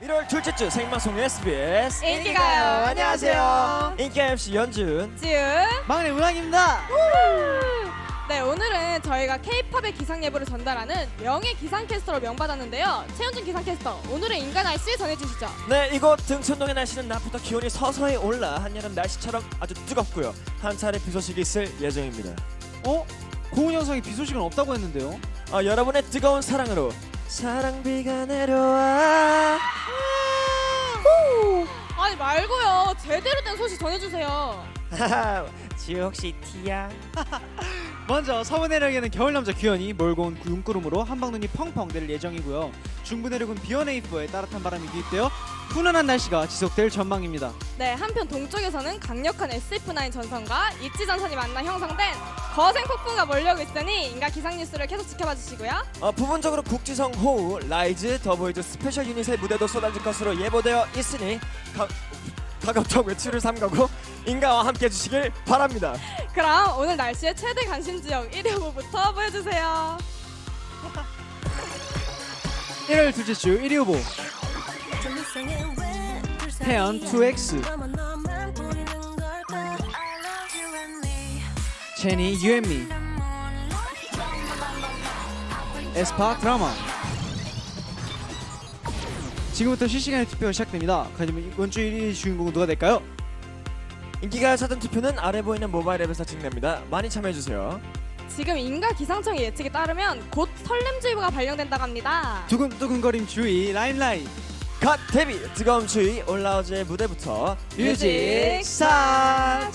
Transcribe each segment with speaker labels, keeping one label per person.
Speaker 1: 1월 둘째 주 생방송 SBS
Speaker 2: 인기가요.
Speaker 1: 안녕하세요. 인기 MC 연준,
Speaker 2: 지은.
Speaker 3: 막내 운항입니다.
Speaker 2: 네, 오늘은 저희가 K-팝의 기상 예보를 전달하는 명예 기상캐스터로 명받았는데요. 최현준 기상캐스터, 오늘의 인간 날씨 전해주시죠.
Speaker 1: 네, 이곳 등촌동의 날씨는 낮부터 기온이 서서히 올라 한여름 날씨처럼 아주 뜨겁고요. 한 차례 비 소식이 있을 예정입니다.
Speaker 3: 고은 영상에 비 소식은 없다고 했는데요.
Speaker 1: 여러분의 뜨거운 사랑으로 사랑비가 내려와.
Speaker 2: 아니 말고요. 제대로 된 소식 전해주세요.
Speaker 1: 지우 혹시 티야?
Speaker 3: 먼저 서부 내륙에는 겨울 남자 규현이 몰고 온 눈구름으로 한방눈이 펑펑 내릴 예정이고요. 중부 내륙은 비원에이프에 따뜻한 바람이 유입되어 훈훈한 날씨가 지속될 전망입니다.
Speaker 2: 네, 한편 동쪽에서는 강력한 SF9 전선과 이치 전선이 만나 형성된 거센 폭풍가 몰려오고 있으니 인가 기상 뉴스를 계속 지켜봐 주시고요.
Speaker 1: 부분적으로 국지성 호우, 라이즈, 더보이즈 스페셜 유닛의 무대도 쏟아질 것으로 예보되어 있으니 가급적 외출을 삼가고 인가와 함께 해주시길 바랍니다.
Speaker 2: 그럼 오늘 날씨의 최대 관심 지역 1위 후보부터 보여주세요.
Speaker 3: 1월 둘째 주 1위 후보 태연 2X, 제니 유앤미, 에스파 드라마. 지금부터 실시간의 투표가 시작됩니다. 그렇다면 이번 주 1위 주인공은 누가 될까요?
Speaker 1: 인기가요 사전 투표는 아래 보이는 모바일 앱에서 진행됩니다. 많이 참여해주세요.
Speaker 2: 지금 인가 기상청의 예측에 따르면 곧 설렘주의보가 발령된다고 합니다.
Speaker 3: 두근두근거림 주의 라임라이트
Speaker 1: 갓 데뷔 뜨거운 추위 올라오즈의 무대부터
Speaker 3: 뮤직 스타트.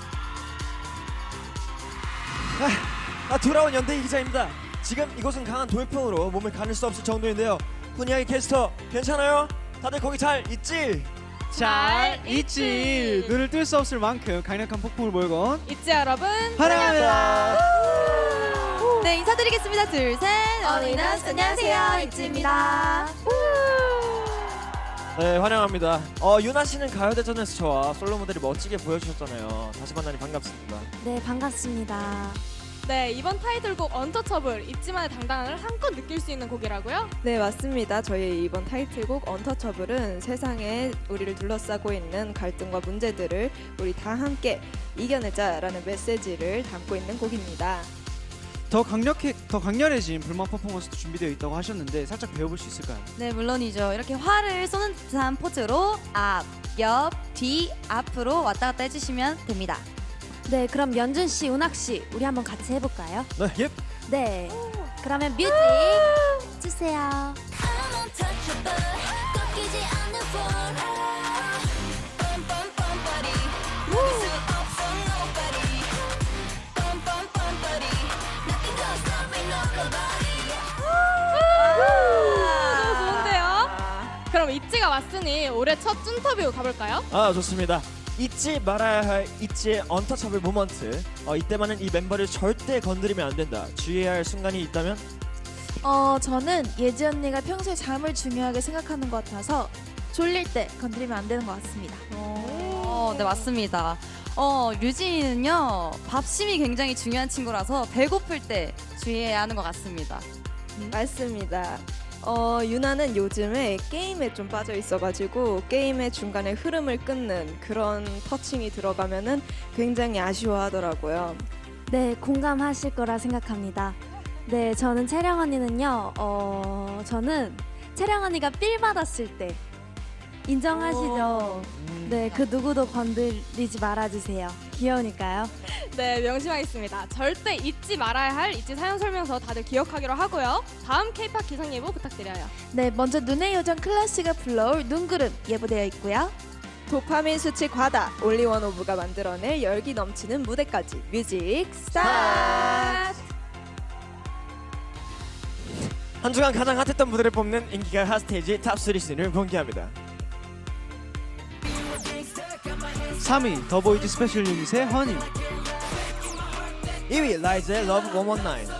Speaker 1: 돌아온 연대희 기자입니다. 지금 이곳은 강한 돌풍으로 몸을 가눌 수 없을 정도인데요. 훈이야기 캐스터 괜찮아요? 다들 거기 잘 있지?
Speaker 3: 잘 있지. 눈을 뜰 수 없을 만큼 강력한 폭풍을 몰고 온
Speaker 2: 있지 여러분?
Speaker 3: 환영합니다.
Speaker 4: 네, 인사드리겠습니다. 둘, 셋. 어린아스 안녕하세요. 입지입니다.
Speaker 1: 네, 환영합니다. 유나 씨는 가요대전에서 저와 솔로 무대를 멋지게 보여주셨잖아요. 다시 만나니 반갑습니다.
Speaker 4: 네, 반갑습니다.
Speaker 2: 네, 이번 타이틀곡 언터처블 입지만의 당당함을 한껏 느낄 수 있는 곡이라고요?
Speaker 5: 네, 맞습니다. 저희 이번 타이틀곡 언터처블은 세상에 우리를 둘러싸고 있는 갈등과 문제들을 우리 다 함께 이겨내자라는 메시지를 담고 있는 곡입니다.
Speaker 3: 더 강렬해진 불만 퍼포먼스도 준비되어 있다고 하셨는데 살짝 배워볼 수 있을까요?
Speaker 4: 네, 물론이죠. 이렇게 활을 쏘는 듯한 포즈로 앞, 옆, 뒤, 앞으로 왔다 갔다 해주시면 됩니다. 네, 그럼 연준 씨, 운학 씨, 우리 한번 같이 해볼까요?
Speaker 1: 네, 예.
Speaker 4: 네. 그러면 뮤직 주세요.
Speaker 2: 너무 좋은데요? 그럼 있지가 왔으니 올해 첫 쭌터뷰 가볼까요?
Speaker 1: 좋습니다. 잊지 말아야 할 있지의 언터처블 모먼트. 이때만은 이 멤버를 절대 건드리면 안 된다. 주의해야 할 순간이 있다면?
Speaker 6: 저는 예지 언니가 평소에 잠을 중요하게 생각하는 것 같아서 졸릴 때 건드리면 안 되는 것 같습니다.
Speaker 4: 네, 맞습니다. 류진이는요, 밥심이 굉장히 중요한 친구라서 배고플 때 주의해야 하는 것 같습니다.
Speaker 5: 맞습니다. 유나는 요즘에 게임에 좀 빠져 있어가지고 게임의 중간에 흐름을 끊는 그런 터칭이 들어가면은 굉장히 아쉬워하더라고요.
Speaker 6: 네, 공감하실 거라 생각합니다. 네, 저는 채령 언니는요, 저는 채령 언니가 삘 받았을 때 인정하시죠? 네, 그 누구도 건드리지 말아주세요. 귀여우니까요.
Speaker 2: 네, 명심하겠습니다. 절대 잊지 말아야 할 잊지 사연 설명서 다들 기억하기로 하고요. 다음 K-팝 기상 예보 부탁드려요.
Speaker 6: 네, 먼저 눈의 요정 클래스가 불러올 눈구름 예보되어 있고요.
Speaker 5: 도파민 수치 과다 올리원 오브가 만들어낼 열기 넘치는 무대까지 뮤직 스타트!
Speaker 1: 한 주간 가장 핫했던 무대를 뽑는 인기가 핫스테이지 탑3 순위를 공개합니다.
Speaker 3: 3위 더보이즈 스페셜 유닛의 허니,
Speaker 1: 2위 라이즈의 러브 119.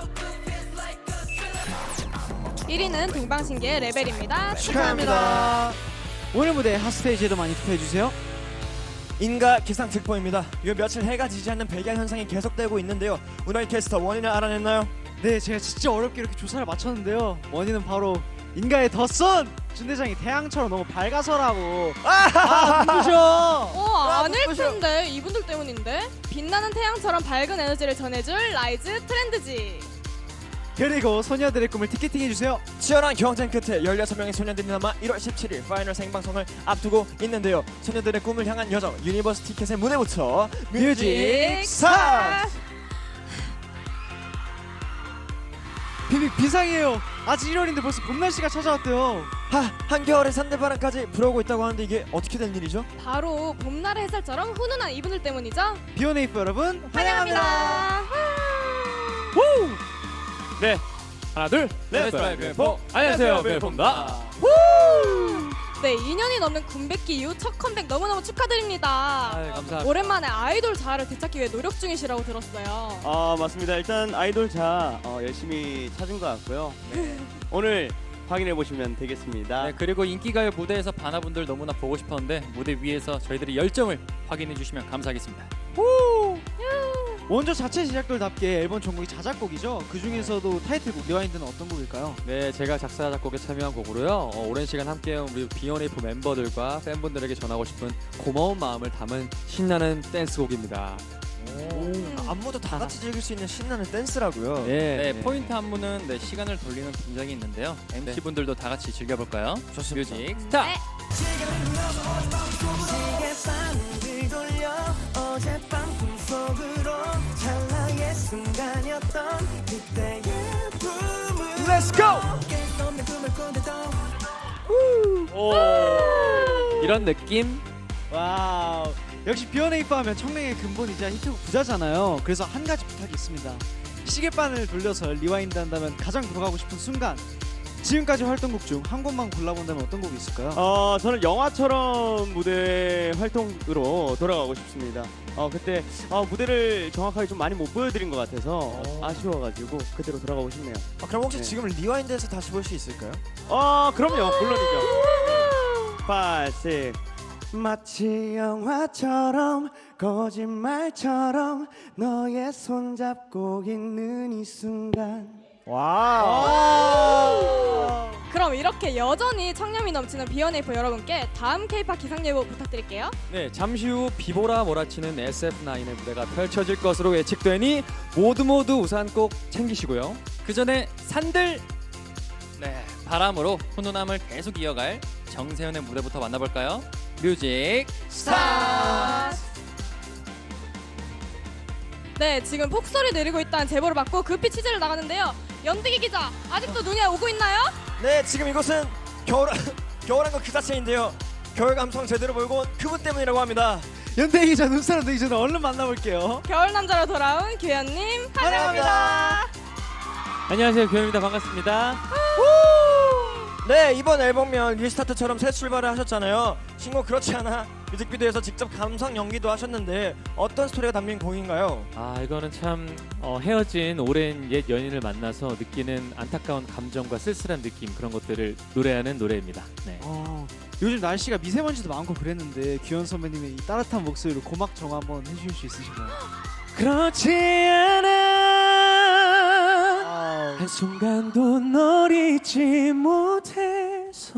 Speaker 2: 1위는 동방신기의 레벨입니다.
Speaker 1: 축하합니다.
Speaker 3: 오늘 무대 핫스테이지에도 많이 투표해주세요.
Speaker 1: 인가 기상 특보입니다. 요 며칠 해가 지지 않는 백야 현상이 계속되고 있는데요. 운하이 캐스터 원인을 알아냈나요?
Speaker 3: 네, 제가 진짜 어렵게 이렇게 조사를 마쳤는데요. 원인은 바로 인가의 더선 준대장이 태양처럼 너무 밝아서라고. 눈부셔.
Speaker 2: 아닐 텐데 이분들 때문인데. 빛나는 태양처럼 밝은 에너지를 전해줄 라이즈 트렌드지.
Speaker 3: 그리고 소녀들의 꿈을 티켓팅 해주세요.
Speaker 1: 치열한 경쟁 끝에 16명의 소녀들이 남아 1월 17일 파이널 생방송을 앞두고 있는데요. 소녀들의 꿈을 향한 여정 유니버스 티켓의 무대부터 뮤직 스타트!
Speaker 3: 비상이에요. 아직 1월인데 벌써 봄 날씨가 찾아왔대요.
Speaker 1: 한겨울의 산들바람까지 불어오고 있다고 하는데 이게 어떻게 된 일이죠?
Speaker 2: 바로 봄날의 햇살처럼 훈훈한 이분들 때문이죠.
Speaker 3: 비오네이프 여러분
Speaker 2: 환영합니다.
Speaker 7: 네, 하나 둘, 렛츠 웨이포. 안녕하세요, 웨이포입니다.
Speaker 2: 네, 2년이 넘는 군백기 이후 첫 컴백 너무너무 축하드립니다.
Speaker 7: 감사합니다.
Speaker 2: 오랜만에 아이돌 자아를 되찾기 위해 노력 중이시라고 들었어요.
Speaker 8: 맞습니다. 일단 아이돌 자 열심히 찾은 것 같고요. 네. 오늘 확인해 보시면 되겠습니다.
Speaker 7: 네, 그리고 인기가요 무대에서 바나분들 너무나 보고 싶었는데 무대 위에서 저희들의 열정을 확인해 주시면 감사하겠습니다.
Speaker 3: 원조 자체 제작돌답게 앨범 전곡이 자작곡이죠. 그 중에서도 타이틀곡 리와인드는 어떤 곡일까요?
Speaker 9: 네, 제가 작사 작곡에 참여한 곡으로요. 오랜 시간 함께해온 우리 비욘에이프 멤버들과 팬분들에게 전하고 싶은 고마운 마음을 담은 신나는 댄스곡입니다.
Speaker 1: 안무도 다 같이 즐길 수 있는 신나는 댄스라고요.
Speaker 7: 네, 포인트 안무는 시간을 돌리는 분장이 있는데요. MC 분들도 다 같이 즐겨볼까요?
Speaker 1: 좋습니다.
Speaker 7: 뮤직 스타트.
Speaker 1: Let's go!
Speaker 9: 이런 느낌?
Speaker 3: 와우. 역시 비욘에이프 하면 청량의 근본이자 히트곡 부자잖아요. 그래서 한 가지 부탁이 있습니다. 시계바늘 돌려서 리와인드 한다면 가장 돌아가고 싶은 순간. 지금까지 활동곡 중 한 곡만 골라본다면 어떤 곡이 있을까요?
Speaker 8: 저는 영화처럼 무대 활동으로 돌아가고 싶습니다. 그때 무대를 정확하게 좀 많이 못 보여드린 것 같아서 아쉬워가지고 그대로 돌아가고 싶네요.
Speaker 1: 그럼 혹시
Speaker 8: 네.
Speaker 1: 지금 리와인드에서 다시 볼 수 있을까요?
Speaker 8: 그럼요, 물론이죠. 5, 6. 마치 영화처럼 거짓말처럼 너의 손 잡고 있는 이 순간.
Speaker 2: 그럼 이렇게 여전히 청량미 넘치는 비욘에이프 여러분께 다음 K-팝 기상 예보 부탁드릴게요.
Speaker 9: 네, 잠시 후 비보라 몰아치는 SF9의 무대가 펼쳐질 것으로 예측되니 모두 우산 꼭 챙기시고요.
Speaker 7: 그 전에 산들 바람으로 훈훈함을 계속 이어갈 정세현의 무대부터 만나볼까요? 뮤직 스타트.
Speaker 2: 네, 지금 폭설이 내리고 있다는 제보를 받고 급히 취재를 나가는데요. 연득이 기자, 아직도 눈이 오고 있나요?
Speaker 1: 네, 지금 이곳은 겨울한 것 그 자체인데요. 겨울 감성 제대로 보이고 온 그분 때문이라고 합니다.
Speaker 3: 연대 기자 눈사람 되기 전에 얼른 만나볼게요.
Speaker 2: 겨울 남자로 돌아온 규현님 환영합니다.
Speaker 9: 안녕하세요, 규현입니다. 반갑습니다.
Speaker 1: 네, 이번 앨범명 리스타트처럼 새 출발을 하셨잖아요. 신곡 그렇지 않아 뮤직비디오에서 직접 감성 연기도 하셨는데 어떤 스토리가 담긴 곡인가요?
Speaker 9: 이거는 참 헤어진 오랜 옛 연인을 만나서 느끼는 안타까운 감정과 쓸쓸한 느낌, 그런 것들을 노래하는 노래입니다. 네.
Speaker 3: 요즘 날씨가 미세먼지도 많고 그랬는데 규현 선배님의 이 따뜻한 목소리로 고막 정화 한번 해주실 수 있으신가요?
Speaker 9: 그렇지 않아 한순간도 널 잊지 못해서.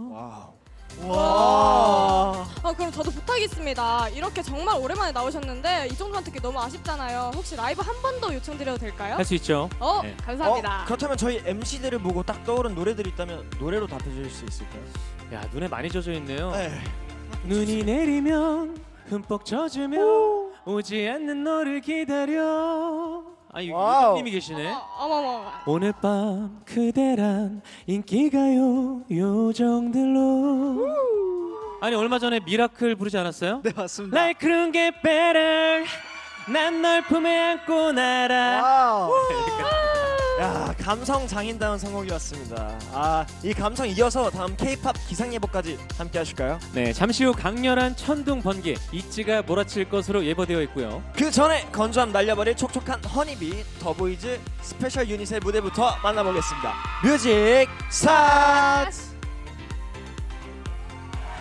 Speaker 2: 그럼 저도 부탁이 있습니다. 이렇게 정말 오랜만에 나오셨는데 이 정도만 듣기 너무 아쉽잖아요. 혹시 라이브 한 번 더 요청드려도 될까요?
Speaker 9: 할 수 있죠. 네.
Speaker 2: 감사합니다.
Speaker 1: 그렇다면 저희 MC들을 보고 딱 떠오른 노래들이 있다면 노래로 답해주실 수 있을까요?
Speaker 9: 야, 눈에 많이 젖어 있네요.
Speaker 1: 네.
Speaker 9: 눈이 내리면 흠뻑 젖으며 오지 않는 너를 기다려.
Speaker 1: 와우.
Speaker 9: 유님이 계시네.
Speaker 2: 어머머.
Speaker 9: 오늘 밤 그대란 인기가요 요정들로. 아니, 얼마 전에 미라클 부르지 않았어요?
Speaker 3: 네, 맞습니다.
Speaker 9: Like couldn't get better. 난 널 품에 안고 날아.
Speaker 1: 야, 감성 장인다운 선곡이었습니다. 이 감성 이어서 다음 K-팝 기상 예보까지 함께 하실까요?
Speaker 9: 네, 잠시 후 강렬한 천둥 번개 이치가 몰아칠 것으로 예보되어 있고요.
Speaker 1: 그 전에 건조함 날려버릴 촉촉한 허니비 더보이즈 스페셜 유닛의 무대부터 만나보겠습니다. 뮤직 스타트!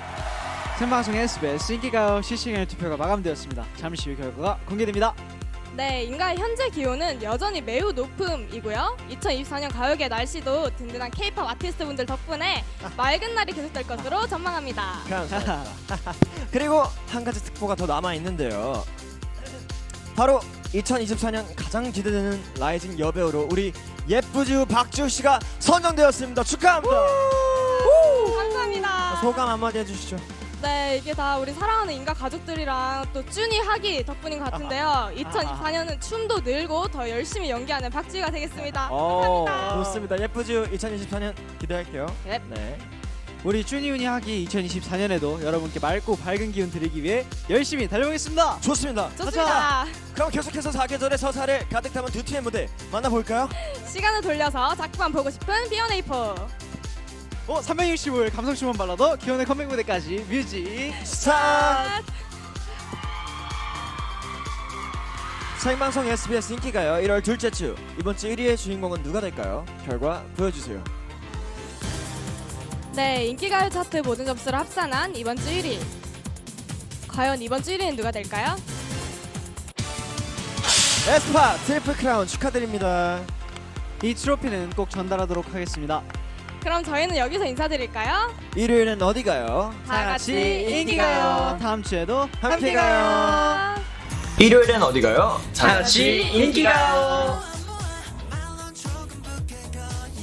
Speaker 3: 생방송 SBS 인기가요 실시간 투표가 마감되었습니다. 잠시 후 결과가 공개됩니다.
Speaker 2: 네, 인가의 현재 기온은 여전히 매우 높음이고요. 2024년 가요계 날씨도 든든한 K-pop 아티스트분들 덕분에 맑은 날이 계속될 것으로 전망합니다.
Speaker 1: 감사합니다. 그리고 한 가지 특보가 더 남아 있는데요. 바로 2024년 가장 기대되는 라이징 여배우로 우리 예쁘지우 박지우 씨가 선정되었습니다. 축하합니다.
Speaker 2: 감사합니다.
Speaker 1: 소감 한마디 해주시죠.
Speaker 2: 네, 이게 다 우리 사랑하는 인가 가족들이랑 또 쭈니 하기 덕분인 것 같은데요. 2024년은 춤도 늘고 더 열심히 연기하는 박지우가 되겠습니다. 감사합니다.
Speaker 1: 좋습니다. 예쁘지우 2024년 기대할게요.
Speaker 2: 네.
Speaker 1: 네.
Speaker 3: 우리 쭈니우니 하기 2024년에도 여러분께 맑고 밝은 기운 드리기 위해 열심히 달려보겠습니다.
Speaker 1: 좋습니다.
Speaker 2: 좋습니다.
Speaker 1: 그럼 계속해서 4계절의 서사를 가득 담은 두 팀의 무대 만나볼까요?
Speaker 2: 시간을 돌려서 자꾸만 보고 싶은 B1A4.
Speaker 3: 365일 감성춤만 발라도 기원의 컴백 무대까지 뮤직
Speaker 1: 스타트! 생방송 SBS 인기가요 1월 둘째 주 이번 주 1위의 주인공은 누가 될까요? 결과 보여주세요.
Speaker 2: 네, 인기가요 차트 모든 점수를 합산한 이번 주 1위. 과연 이번 주 1위는 누가 될까요?
Speaker 1: 에스파 트리플 크라운 축하드립니다.
Speaker 3: 이 트로피는 꼭 전달하도록 하겠습니다.
Speaker 2: 그럼 저희는 여기서 인사드릴까요?
Speaker 1: 일요일은 어디 가요?
Speaker 2: 다 같이 인기가요.
Speaker 3: 다음 주에도
Speaker 1: 함께 가요.
Speaker 2: 가요.
Speaker 1: 일요일엔 어디 가요? 다 같이 인기 가요.